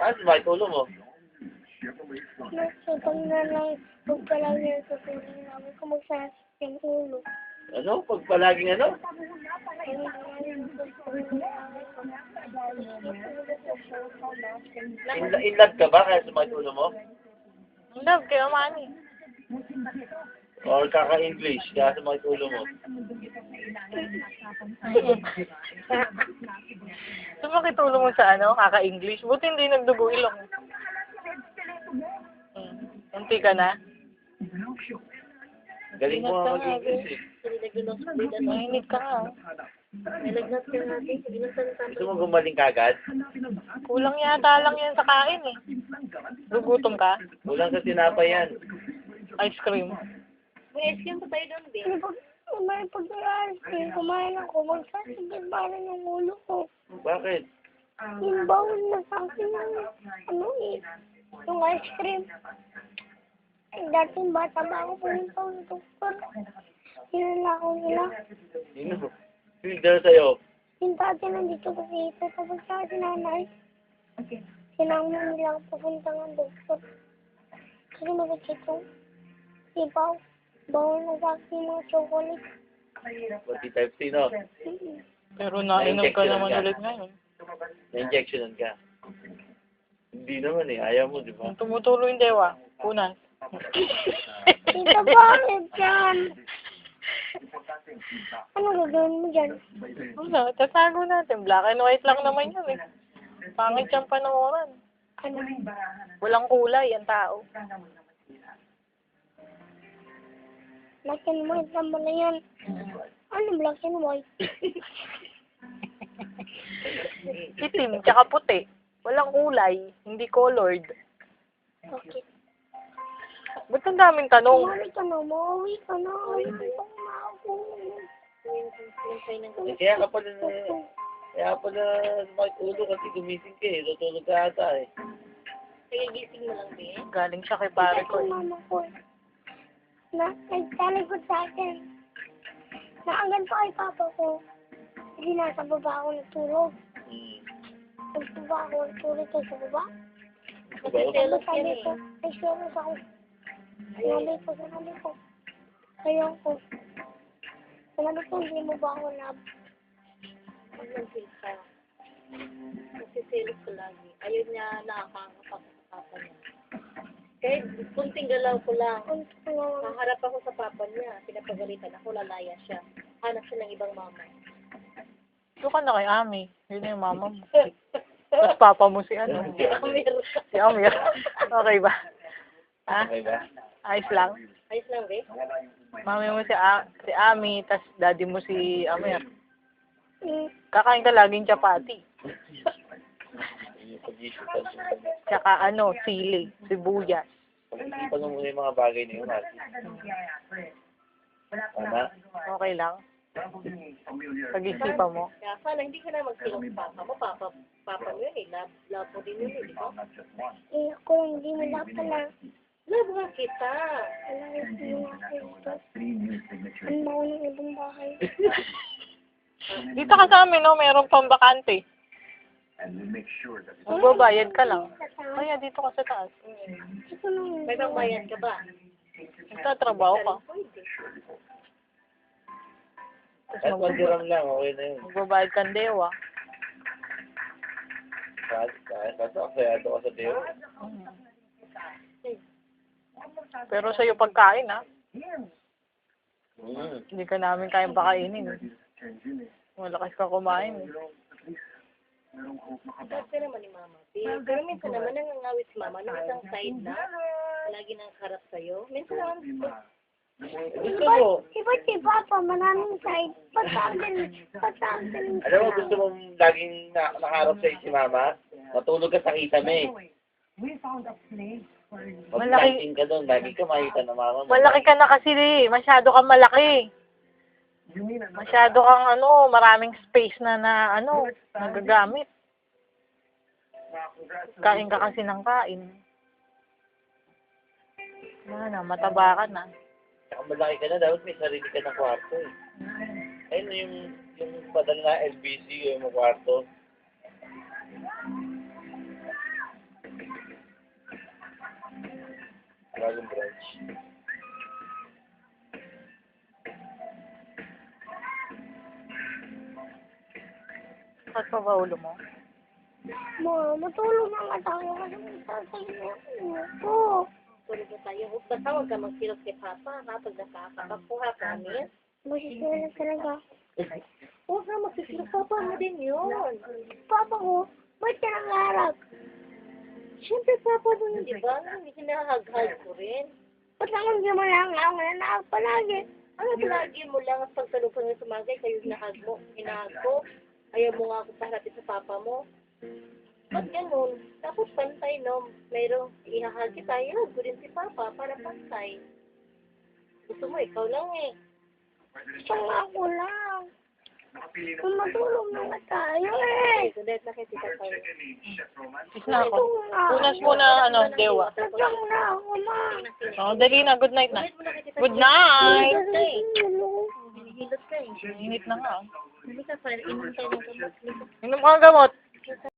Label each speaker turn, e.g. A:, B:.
A: Ano, bakit ulo mo?
B: Pag na lang, pag palagi na sa tulong namin, kung magsasakit yung ulo.
A: Ano? Pag palaging ano? In love ka ba kaya sumakit ulo mo?
C: Love, kaya mani.
A: Or kaka-English kaya sumakit ulo mo?
C: Sumakit ulo mo sa ano, kaka-English. Buti hindi nagdugo ilong. Unti ka na?
A: Galing mo nga mag-English eh.
C: Mahinit ka nga.
A: Gusto mo gumaling kagad?
C: Kulang yata lang yan sa kain eh. Gugutom ka?
A: Kulang sa tinapay yan.
C: Ice cream.
B: May pag-aaral ko, kumain ako, magsasakit pa rin yung ulo ko.
A: Bakit?
B: Yung bawal na sa akin yung, ano eh, yung ice cream. Dating bata ba ako pumunta ng doktor. Hinala ko nila.
A: Sino? Sino dala sa'yo?
B: Yung dati nandito kasi ito, tapos sa sinanay. Sinama nila ako pupunta ng doktor. Kasi nabagsit yung sipaw. Bawal na sa akin yung mga chocolate.
A: Pati type C, no?
C: Pero nainom ka naman ulit ngayon.
A: Na-injectionan ka. Hindi naman eh. Ayaw mo, di ba?
C: Tumutulo yung dewa. Punas.
B: Tita, bakit yan? Ano gagawin mo dyan?
C: Wala, tatago natin. Black and white lang naman yun eh. Pangit siyang panooran.
B: Ano?
C: Walang kulay ang tao.
B: Black and white naman na yan. Ano black and white?
C: Itim, tsaka puti. Walang kulay. Hindi colored.
B: Bakit?
C: Ba't ang daming tanong?
B: Umuwi ka na, umuwi ka na.
A: Eh, kaya pala sumakit ulo kasi gumising ka eh. Tutulog ka ata eh.
C: Galing siya kay pare ko eh.
B: Mama ko. Nagtalikod sa akin. Naagan pa kay papa ko. Hindi nasa baba ako natulog. Nagbaba ako natulog ko sa baba.
A: Diba?
B: Sabi ko, ay selos ako. Sinabi ko. Kaya ko. Sinabi ko, hindi mo ba ako love?
D: Kasi selos ko lagi. Ayaw niya nakakakapak sa papa niya. Kahit kunting galaw ko lang. Maharap ako sa papa niya. Pinapagalitan ako, lalaya siya. Hanap siya ng ibang mama.
C: Doon ka na kay Ami. Yun na yung mama mo. Tapos papa mo si ano? Si Amir. Okay ba? Ha?
A: Okay ba?
C: Ayos lang.
D: Ayos lang, be.
C: Mami mo si Ami, tas daddy mo si Amir. Kakain ka laging chapati. Tsaka ano, sili, sibuyas.
A: Pag-isipan mo muna yung mga bagay na yun. Tama?
C: Okay lang. Pag-isipan mo.
D: Kaya sana hindi ka na magsilong sa papa mo. Papa mo yun eh. Love mo din yun eh, di ba?
B: Eh, ako hindi mo love pala.
D: Love nga kita.
B: Alam mo, hindi mo ako ito. Ang mauna ng ibang bahay.
C: Dito ka sa amin, no? Meron pang bakante. Magbabayad ka lang. Kaya dito ka sa taas.
B: Ito lang.
D: May pangbayan ka ba?
C: Nagtatrabaho ka.
A: Kahit 1 dirham lang, okay na yun.
C: Magbabayad kang dewa.
A: Kahit asayado ka sa Deo.
C: Pero sa'yo pagkain, ha?
A: Mm.
C: Hindi ka namin kayang pakainin. Malakas ka kumain.
D: Tapos ka naman ni mama. Pero minsan naman nangangawit si mama ng isang side na lagi nang harap sa'yo. Minsan naman
A: Gusto mo,
B: Iba't si Papa, maraming side. Patagal.
A: alam mo, gusto mong laging nakaharap sa'yo si Mama? Matulog ka sa kisame. Mag-lighting ka doon, lagi ka makita ng Mama mo.
C: Malaki ka na kasi, masyado kang malaki. Masyado kang maraming space na nagagamit. Kain ka kasi ng kain. Wala na, mataba ka na.
A: Saka malaki ka na, dapat may sarili ka ng kwarto eh. Ayun yung padala na LBC yung kwarto. Dragon Branch.
C: Bakit pa ba ulo mo?
B: Ma, matulog na nga tayo kasi magsasay na ako.
D: Tulog na tayo. Basta huwag ka magsilos kay Papa, ha? Pag nakakapakuha ka, miss.
B: Busis na lang talaga.
D: Huwag ka magsisilos. Papa mo din yun.
B: Papa ko, ba't ka nangarap?
D: Siyempre, Papa mo yun, di ba? Hindi hinahag-hag ko rin.
B: Ba't naman di mo lang ako nanahag palagi?
D: Ano palagi mo lang at pagsalubong ng sumagay, kayo hinahag mo, hinahag ko. Ayaw mo nga ako paharapin sa Papa mo. Ba't ganun? Tapos pantay, no? Mayroong ihahag kita, ihahag ko din si Papa para pantay. Gusto mo, ikaw lang eh.
B: Gusto nga ako lang. Kung matulog na nga tayo eh.
D: So, dahil nakikita tayo.
C: Kiss na ako. Punas muna, dewa.
B: Sadyang na ako, ma.
C: Oh, dali na. Good night na. Good night!
D: Hinihilot ka eh.
C: Init na nga.
D: Hindi ka pa, inom tayo ng gamot.
C: Inom ka ng gamot.